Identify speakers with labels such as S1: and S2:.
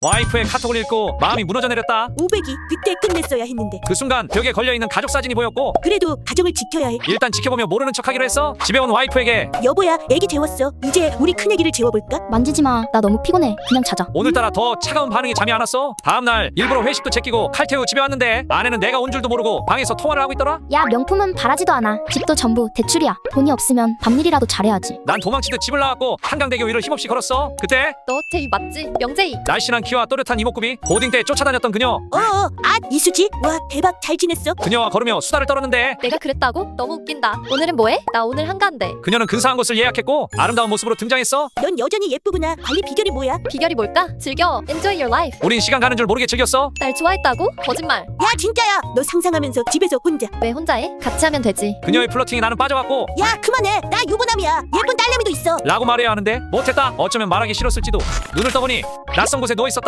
S1: 와이프의 카톡을 읽고 마음이 무너져 내렸다.
S2: 500이 그때 끝냈어야 했는데.
S1: 그 순간 벽에 걸려있는 가족 사진이 보였고
S2: 그래도 가정을 지켜야 해.
S1: 일단 지켜보며 모르는 척하기로 했어. 집에 온 와이프에게
S2: 여보야, 애기 재웠어. 이제 우리 큰애기를 재워볼까?
S3: 만지지 마. 나 너무 피곤해. 그냥 자자.
S1: 오늘따라 더 차가운 반응이 잠이 안 왔어. 다음날 일부러 회식도 제끼고 칼퇴후 집에 왔는데 아내는 내가 온 줄도 모르고 방에서 통화를 하고 있더라.
S3: 야, 명품은 바라지도 않아. 집도 전부 대출이야. 돈이 없으면 밤일이라도 잘해야지.
S1: 난 도망치듯 집을 나왔고 한강대교 위를 힘없이 걸었어. 그때
S4: 너 제이 맞지? 명제이.
S1: 날씬한 키와 또렷한 이목구비, 고딩 때 쫓아다녔던 그녀.
S2: 이수지. 와, 대박. 잘 지냈어?
S1: 그녀와 걸으며 수다를 떨었는데
S4: 내가 그랬다고? 너무 웃긴다. 오늘은 뭐해? 나 오늘 한가한데.
S1: 그녀는 근사한 곳을 예약했고 아름다운 모습으로 등장했어.
S2: 넌 여전히 예쁘구나. 관리 비결이 뭐야?
S4: 비결이 뭘까? 즐겨. Enjoy your life.
S1: 우린 시간 가는 줄 모르게 즐겼어.
S4: 날 좋아했다고? 거짓말.
S2: 야, 진짜야. 너 상상하면서 집에서 혼자.
S4: 왜 혼자 해? 같이 하면 되지.
S1: 그녀의 플러팅에 나는 빠져갔고
S2: 야, 그만해. 나 유부남이야. 예쁜 딸내미도 있어.
S1: 라고 말해야 하는데 못했다. 어쩌면 말하기 싫었을지도. 눈을 떠보니 낯선 곳에 누워있었다.